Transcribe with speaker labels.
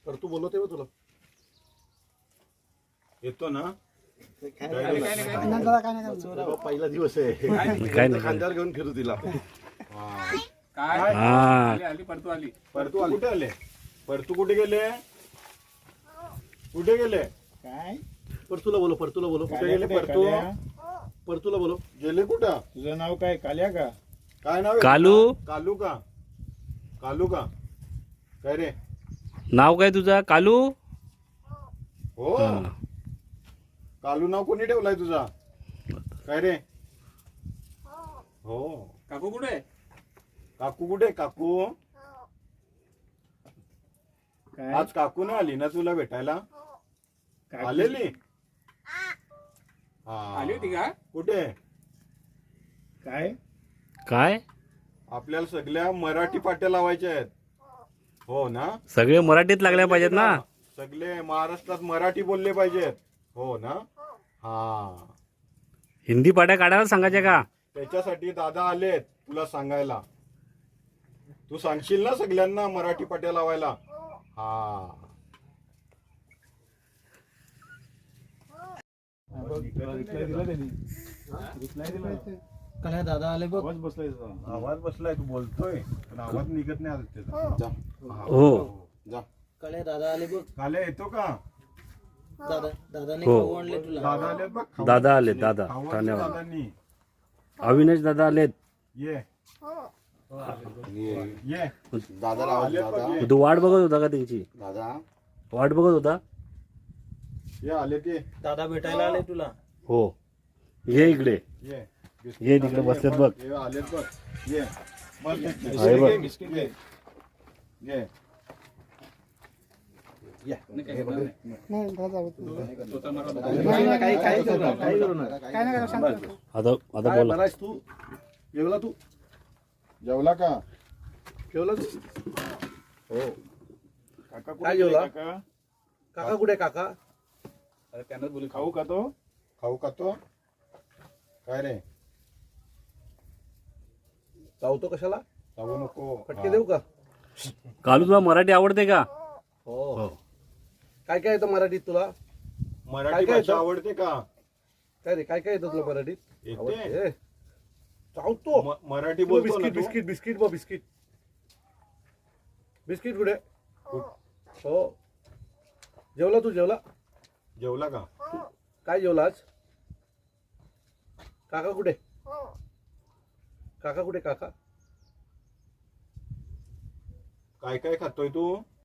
Speaker 1: तर तू बोलवते बघ तुला येतो ना पहिला दिवस आहे खांद्यावर घेऊन फिरू तिला
Speaker 2: परतू आली
Speaker 1: कुठे आले परतू कुठे गेले
Speaker 3: काय
Speaker 1: परतूला बोलो कुठे गेले परतूला बोलो गेले कुठं
Speaker 3: तुझं नाव काय काल्या का
Speaker 1: काय नाव
Speaker 4: कालू
Speaker 1: कालू का काय रे
Speaker 4: नाव काय तुझा कालू
Speaker 1: हो कालू नाव कोणी ठेवलाय तुझा काय रे हो
Speaker 2: काकू कुठे
Speaker 1: काकू
Speaker 3: काय
Speaker 1: आज काकू नाही आली ना तुला भेटायला आलेली
Speaker 2: आली होती का
Speaker 1: कुठे
Speaker 3: काय
Speaker 4: काय
Speaker 1: आपल्याला सगळ्या मराठी पाट्या लावायच्या आहेत हो ना
Speaker 4: सगळे मराठीत लागल्या पाहिजेत ना
Speaker 1: सगळे महाराष्ट्रात मराठी बोलले पाहिजेत हो ना हा
Speaker 4: हिंदी पाट्या काढायला सांगायच्या का
Speaker 1: त्याच्यासाठी दादा आलेत तुला सांगायला तू सांगशील ना सगळ्यांना मराठी पाट्या लावायला हा
Speaker 3: काय दादा आले बघ
Speaker 1: आवाज बसलाय तू बोलतोय पण आवाज निघत नाही आता त्याचा
Speaker 4: हो
Speaker 1: जा
Speaker 3: काळे दादा आले बघ
Speaker 1: काले येतो का
Speaker 3: दादाने
Speaker 4: हो.
Speaker 3: खाऊ आणले तुला
Speaker 1: दादा आलेत बघ
Speaker 4: दादा आले दादा
Speaker 1: खाऊ आणले
Speaker 4: ठाण्यावर
Speaker 1: दादांनी
Speaker 4: अविनाश दादा आलेत
Speaker 1: ये
Speaker 5: दादाला आवाज
Speaker 1: आलेत बघ,
Speaker 5: दादा
Speaker 1: ये.
Speaker 4: तू वाट बघत होता का त्यांची
Speaker 5: दादा
Speaker 4: वाट बघत होता
Speaker 1: ये आले ते
Speaker 3: दादा भेटायला आले तुला
Speaker 4: हो ये इकडे ये तिकडे बसलेत बघ
Speaker 1: ये आलेत बघ ये बस तिथे.
Speaker 4: आहे बघ.
Speaker 1: बिस्किट घे. ये
Speaker 4: आता
Speaker 1: काय
Speaker 4: बोला
Speaker 1: बरायस तू जेवला तू जेवला का जेवला तू हो काका
Speaker 3: काय जेवला?
Speaker 1: काका
Speaker 3: काका कुठे काका
Speaker 2: अरे त्यांनाच बोलू
Speaker 1: खाऊ का तो काय रे
Speaker 3: चावतो कशाला
Speaker 1: चावू नको
Speaker 3: फटके देऊ का
Speaker 4: कालू तुला मराठी आवडते का
Speaker 3: हो काय काय येतं मराठीत तुला
Speaker 1: मराठी
Speaker 3: काय
Speaker 1: भाषा
Speaker 3: येतं?
Speaker 1: आवडते का
Speaker 3: काय रे काय काय येतं तुला मराठीत
Speaker 1: येते
Speaker 3: आवडते. चावतो
Speaker 1: मराठी
Speaker 3: तू
Speaker 1: बोलतो ना
Speaker 3: बिस्किट
Speaker 1: तू?
Speaker 3: बिस्किट बिस्किट बिस्किट कुठे हो जेवला तू
Speaker 1: जेवला का
Speaker 3: काय जेवला आज काका कुठे काका
Speaker 1: काय काय खातोय तू